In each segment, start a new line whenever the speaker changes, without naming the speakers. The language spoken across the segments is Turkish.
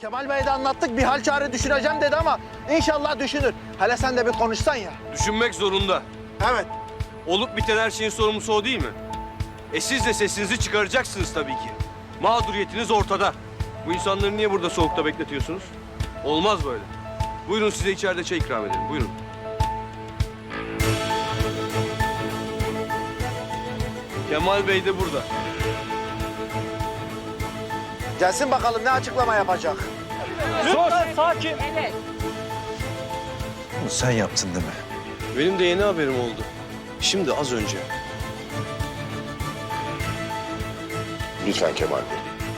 Kemal Bey'e de anlattık, bir hal çare düşüneceğim dedi ama inşallah düşünür. Hele sen de bir konuşsan ya.
Düşünmek zorunda.
Evet.
Olup biten her şeyin sorumlusu o değil mi? Siz de sesinizi çıkaracaksınız tabii ki. Mağduriyetiniz ortada. Bu insanları niye burada soğukta bekletiyorsunuz? Olmaz böyle. Buyurun, size içeride çay ikram edelim. Buyurun. Kemal Bey de burada.
Gelsin bakalım ne açıklama yapacak.
Lütfen sakin.
Evet.
Bunu sen yaptın değil mi?
Benim de yeni haberim oldu. Şimdi az önce.
Lütfen Kemal Bey.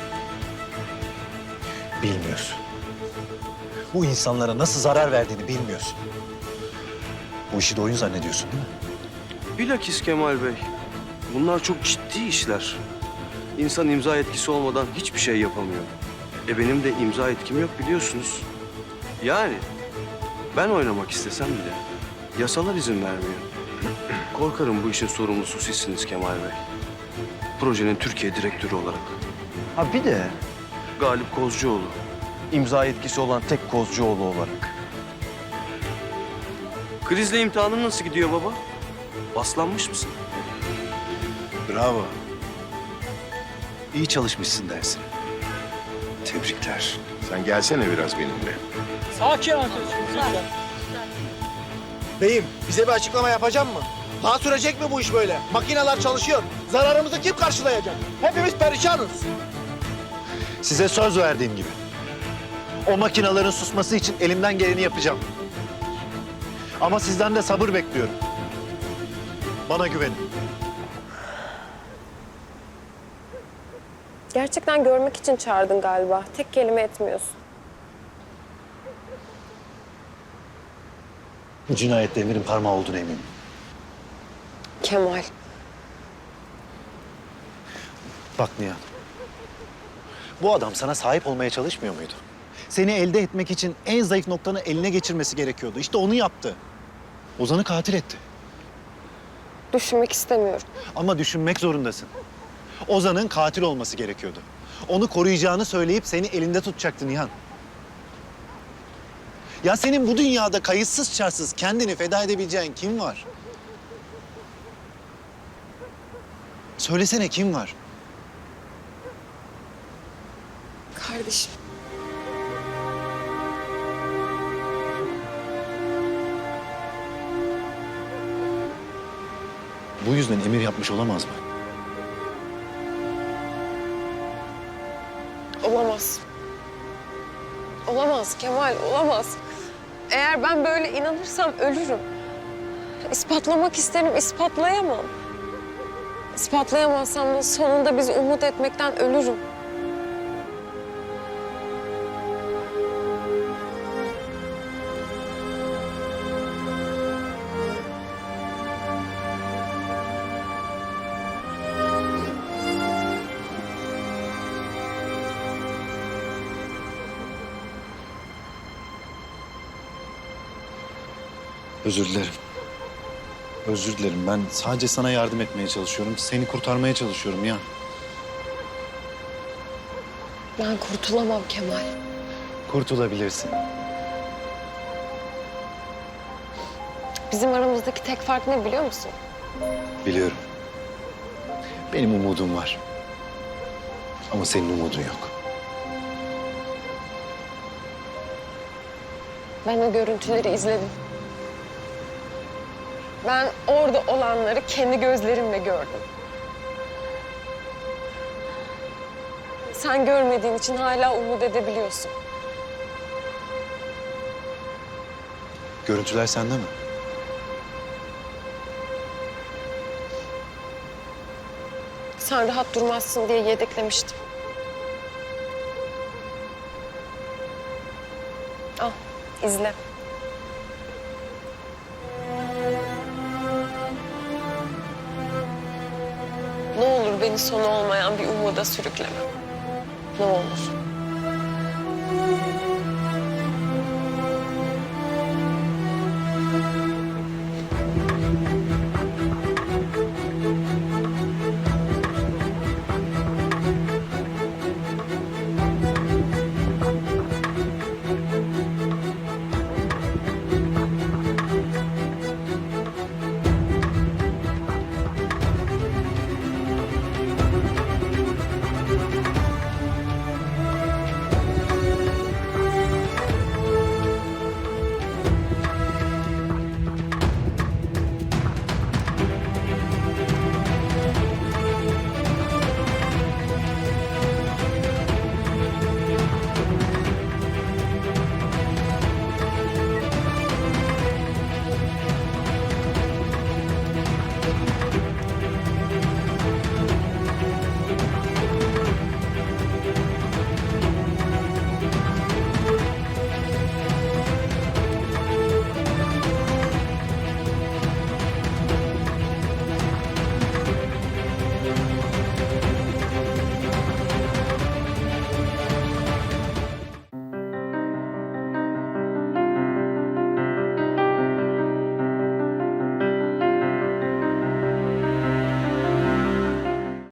Bilmiyorsun. Bu insanlara nasıl zarar verdiğini bilmiyorsun. Bu işi de oyun zannediyorsun değil mi?
Bilakis Kemal Bey. Bunlar çok ciddi işler. İnsan imza etkisi olmadan hiçbir şey yapamıyor. Benim de imza etkim yok biliyorsunuz. Yani ben oynamak istesem bile yasalar izin vermiyor. Korkarım bu işin sorumlusu sizsiniz Kemal Bey. Projenin Türkiye direktörü olarak.
Ha bir de
Galip Kozcuoğlu.
imza etkisi olan tek Kozcuoğlu olarak.
Krizle imtihanın nasıl gidiyor baba? Paslanmış mısın?
Bravo. İyi çalışmışsın dersin. Tebrikler.
Sen gelsene biraz benimle.
Sakin arkadaşım. Lütfen.
Beyim, bize bir açıklama yapacak mı? Daha sürecek mi bu iş böyle? Makineler çalışıyor. Zararımızı kim karşılayacak? Hepimiz perişanız.
Size söz verdiğim gibi. O makinelerin susması için elimden geleni yapacağım. Ama sizden de sabır bekliyorum. Bana güvenin.
Gerçekten görmek için çağırdın galiba. Tek kelime etmiyorsun.
Bu cinayette Emir'in parmağı olduğuna eminim.
Kemal.
Bak Nihan. Bu adam sana sahip olmaya çalışmıyor muydu? Seni elde etmek için en zayıf noktanı eline geçirmesi gerekiyordu. İşte onu yaptı. Ozan'ı katil etti.
Düşünmek istemiyorum.
Ama düşünmek zorundasın. Ozan'ın katil olması gerekiyordu. Onu koruyacağını söyleyip seni elinde tutacaktı Nihan. Ya senin bu dünyada kayıtsız şartsız kendini feda edebileceğin kim var? Söylesene kim var?
Kardeşim.
Bu yüzden Emir yapmış olamaz mı?
Olamaz. Olamaz Kemal, olamaz. Eğer ben böyle inanırsam ölürüm. İspatlamak isterim, ispatlayamam. İspatlayamazsam da sonunda biz umut etmekten ölürüm.
Özür dilerim. Özür dilerim. Ben sadece sana yardım etmeye çalışıyorum. Seni kurtarmaya çalışıyorum ya.
Ben kurtulamam Kemal.
Kurtulabilirsin.
Bizim aramızdaki tek fark ne biliyor musun?
Biliyorum. Benim umudum var. Ama senin umudun yok.
Ben o görüntüleri izledim. Ben orada olanları kendi gözlerimle gördüm. Sen görmediğin için hala umut edebiliyorsun.
Görüntüler sende mi?
Sen rahat durmazsın diye yedeklemiştim. Al, izle. Ne olur beni sonu olmayan bir umuda sürükleme. Ne olur.